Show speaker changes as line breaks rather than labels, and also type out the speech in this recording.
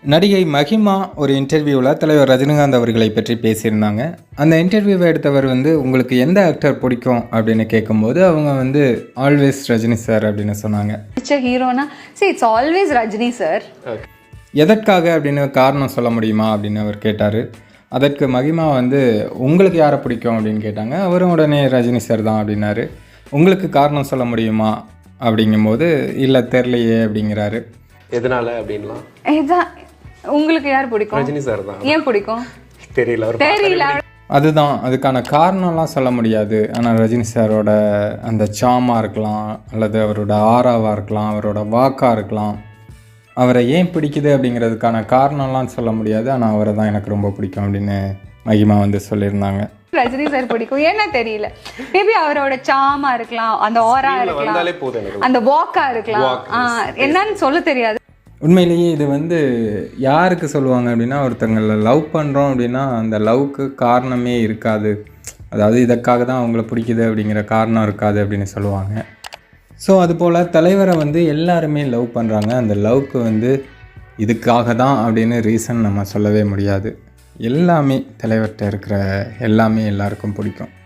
நடிகை மஹிமா ஒரு இன்டர்வியூவில் தலைவர் ரஜினிகாந்த் அவர்களை பற்றி பேசியிருந்தாங்க. அந்த இன்டர்வியூவை எடுத்தவர் உங்களுக்கு எந்த ஆக்டர் பிடிக்கும் அப்படின்னு கேட்கும்போது அவங்க ஆல்வேஸ் ரஜினி சார் அப்படின்னு சொன்னாங்க.
ஹீரோனா இட்ஸ் ஆல்வேஸ் ரஜினி சார்.
எதற்காக அப்படின்னு காரணம் சொல்ல முடியுமா அப்படின்னு அவர் கேட்டார். அதற்கு மஹிமா உங்களுக்கு யாரை பிடிக்கும் அப்படின்னு கேட்டாங்க. அவரும் உடனே ரஜினி சார் தான் அப்படின்னாரு. உங்களுக்கு காரணம் சொல்ல முடியுமா அப்படிங்கும்போது இல்லை தெரிலையே அப்படிங்கிறாரு.
எதனால அப்படின்லாம்
உங்களுக்கு யார் பிடிக்கும்?
ரஜினி சார் தான்.
ஏன் பிடிக்கும்
தெரியல.
அதுதான் அதுக்கான காரணம்லாம் சொல்ல முடியாது. ஆனால் ரஜினி சாரோட அந்த சாமாக இருக்கலாம், அல்லது அவரோட ஆராவாக இருக்கலாம், அவரோட வாக்காக இருக்கலாம். அவரை ஏன் பிடிக்குது அப்படிங்கிறதுக்கான காரணம்லாம் சொல்ல முடியாது. ஆனால் அவரை தான் எனக்கு ரொம்ப பிடிக்கும் அப்படின்னு மஹிமா சொல்லியிருந்தாங்க.
ரஜினி சார் பிடிக்கும் ஏன்னா தெரியல, மேபி அவரோட சாமா இருக்கலாம், அந்த ஆரா இருக்கலாம், அந்த வாக்கா இருக்கலாம், என்னன்னு சொல்ல தெரியாது.
உண்மையிலேயே இது யாருக்கு சொல்லுவாங்க அப்படின்னா, ஒருத்தங்களை லவ் பண்ணுறோம் அப்படின்னா அந்த லவ்க்கு காரணமே இருக்காது. அதாவது இதற்காக தான் அவங்கள பிடிக்குது அப்படிங்கிற காரணம் இருக்காது அப்படின்னு சொல்லுவாங்க. ஸோ அதுபோல் தலைவரை எல்லாருமே லவ் பண்ணுறாங்க. அந்த லவ்க்கு இதுக்காக தான் அப்படின்னு ரீசன் நம்ம சொல்லவே முடியாது. எல்லாமே தலைவர்கிட்ட இருக்கிற எல்லாமே எல்லாருக்கும் பிடிக்கும்.